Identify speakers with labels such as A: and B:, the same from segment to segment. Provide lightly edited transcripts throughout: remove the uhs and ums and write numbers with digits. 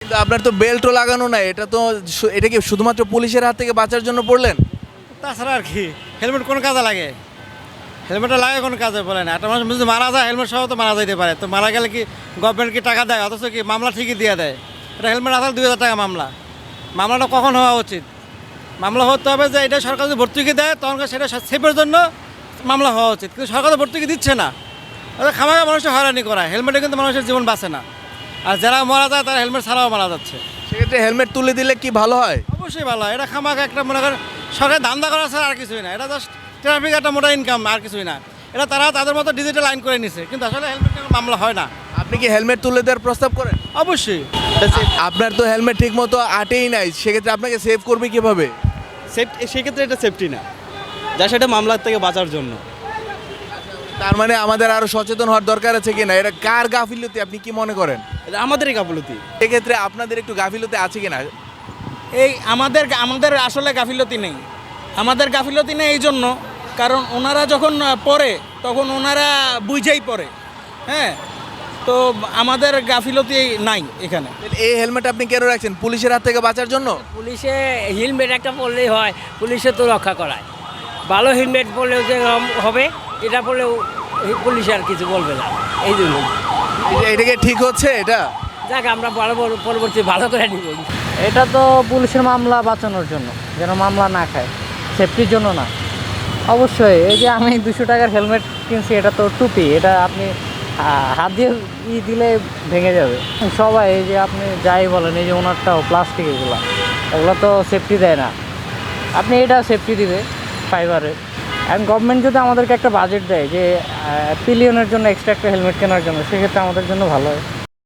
A: কিন্তু আপনার তো বেল্টও লাগানো নাই, এটা তো এটা কি শুধুমাত্র পুলিশের হাত থেকে বাঁচার জন্য পড়লেন?
B: তাছাড়া আর কি, হেলমেট কোন কাজে লাগে? হেলমেটটা লাগে কোন কাজে বলে না? একটা মানুষ যদি মারা যায় হেলমেট সহ তো মারা যাইতে পারে, তো মারা গেলে কি গভর্নমেন্ট কি টাকা দেয়? অথচ কি মামলা ঠিকই দিয়ে দেয়। এটা হেলমেট আসলে 2000 টাকা মামলা। মামলাটা কখন হওয়া উচিত? মামলা হতে হবে যে এটা সরকার যদি ভর্তুকি দেয় তখন সেটা সেফের জন্য মামলা হওয়া উচিত, কিন্তু সরকার তো ভর্তুকি দিচ্ছে না। ওদের খামাখা মানুষের হয়রানি করা, হেলমেটে কিন্তু মানুষের জীবন বাঁচে না। আর যারা মারা যায় তারা হেলমেট ছাড়াও মারা যাচ্ছে।
A: সেক্ষেত্রে হেলমেট তুলে দিলে কি ভালো হয়?
B: অবশ্যই ভালো হয়। এটা খামাখা একটা মনে করেন সরকার ধান্দা করা ছাড়া আর কিছুই না। এটা জাস্ট ট্রাফিক একটা মোটা ইনকাম, আর কিছুই না। এটা তারা তাদের মতো ডিজিটাল আইন করে নিছে, কিন্তু আসলে হেলমেট মামলা হয় না।
A: আপনি কি হেলমেট তুলে দেওয়ার প্রস্তাব করেন?
B: অবশ্যই
A: আপনার তো হেলমেট ঠিক মতো আটেই নাই, সেক্ষেত্রে আপনাকে সেভ করবে কিভাবে?
C: সেক্ষেত্রে এটা সেফটি না, যা সেটা মামলার থেকে বাঁচার জন্য।
A: তার মানে আমাদের আরো সচেতন হওয়ার দরকার আছে কিনা? এটা কার গাফিলতি আপনি কি মনে করেন?
C: এটা আমাদেরই গাফলতি।
A: সেক্ষেত্রে আপনাদের একটু গাফিলতি আছে কিনা?
D: এই আমাদের আসলে গাফিলতি নেই। আমাদের গাফিলতি নেই এই জন্য, কারণ ওনারা যখন পড়ে তখন ওনারা বুঝেই পড়ে। হ্যাঁ, তো আমাদের গাফিলতি নাই এখানে।
A: এই হেলমেট আপনি কেন রাখছেন? পুলিশের হাত থেকে বাঁচার জন্য?
E: পুলিশে হেলমেট একটা পরলেই হয়, পুলিশে তো রক্ষা করায়। ভালো হেলমেট পরলেও যে হবে, এটা পরলেও পুলিশ আর কিছু বলবে না, এই জন্য।
A: এটাকে ঠিক হচ্ছে এটা?
E: যাক, আমরা পরবর্তী ভালো করে নিব।
F: এটা তো পুলিশের মামলা বাঁচানোর জন্য, যেন মামলা না খায়, সেফটির জন্য না। অবশ্যই এই যে আমি 200 টাকার হেলমেট কিনছি, এটা তো টুপি, এটা আপনি হাত দিয়ে দিলে ভেঙে যাবে। সবাই এই যে আপনি যাই বলেন, এই যে ওনারটাও প্লাস্টিক, এগুলো তো সেফটি দেয় না। আপনি এটা সেফটি দিবে ফাইবারের। এখন গভর্নমেন্ট যদি আমাদেরকে একটা বাজেট দেয় যে পিলিয়নের জন্য এক্সট্রা একটা হেলমেট কেনার জন্য, সেক্ষেত্রে আমাদের জন্য ভালো হয়।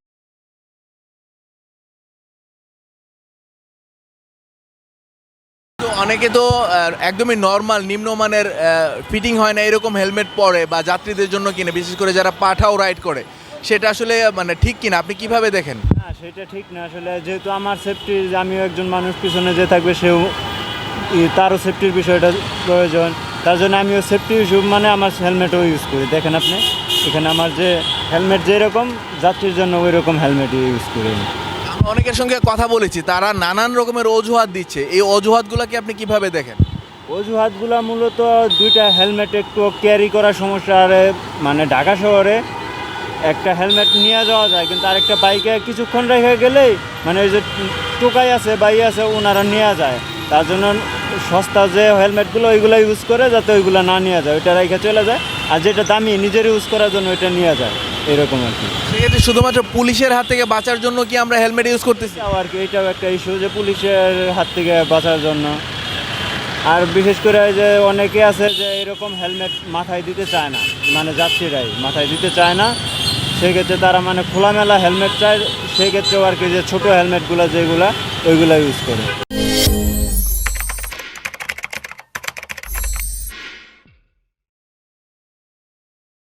A: তো অনেকে তো একদমই নর্মাল নিম্নমানের ফিটিং হয় না এরকম হেলমেট পরে বা যাত্রীদের জন্য কিনে, বিশেষ করে যারা পাঠাও রাইড করে, সেটা আসলে মানে ঠিক কিনা আপনি কিভাবে দেখেন?
G: না, সেটা ঠিক না আসলে। যেহেতু আমার সেফটি, আমিও একজন মানুষ, পিছনে যে থাকবে সেও তারও সেফটির বিষয়টা প্রয়োজন, তার জন্য আমিও সেফটি ইস্যু মানে আমার হেলমেটও ইউজ করি। দেখেন আপনি এখানে আমার যে হেলমেট যেরকম যাত্রীর জন্য ওই রকম হেলমেটই ইউজ করি।
A: আমি অনেকের সঙ্গে কথা বলেছি, তারা নানান রকমের অজুহাত দিচ্ছে, এই অজুহাতগুলোকে আপনি কিভাবে দেখেন?
G: অজুহাতগুলো মূলত দুইটা হেলমেট একটু ক্যারি করার সমস্যা। আর মানে ঢাকা শহরে একটা হেলমেট নিয়ে যাওয়া যায়, কিন্তু আরেকটা বাইকে কিছুক্ষণ রেখে গেলেই মানে ওই যে টোকাই আছে বাই আছে ওনারা নিয়ে যায়। তার জন্য সস্তা যে হেলমেটগুলো ওইগুলো ইউজ করে, যাতে ওইগুলো না নিয়ে যায়, ওইটা রেখে চলে যায়। আর যেটা দামি নিজের ইউজ করার জন্য ওইটা নিয়ে যায়, এরকম আর কি।
A: সেক্ষেত্রে শুধুমাত্র পুলিশের হাত থেকে বাঁচার জন্য কি আমরা হেলমেট ইউজ করতেছি?
G: আর কি এটাও একটা ইস্যু যে পুলিশের হাত থেকে বাঁচার জন্য। আর বিশেষ করে যে অনেকে আছে যে এরকম হেলমেট মাথায় দিতে চায় না, মানে যাত্রীরাই মাথায় দিতে চায় না, সেক্ষেত্রে তারা মানে খোলামেলা হেলমেট চায়, সেক্ষেত্রেও আর কি যে ছোটো হেলমেটগুলো যেগুলো ওইগুলো ইউজ করে।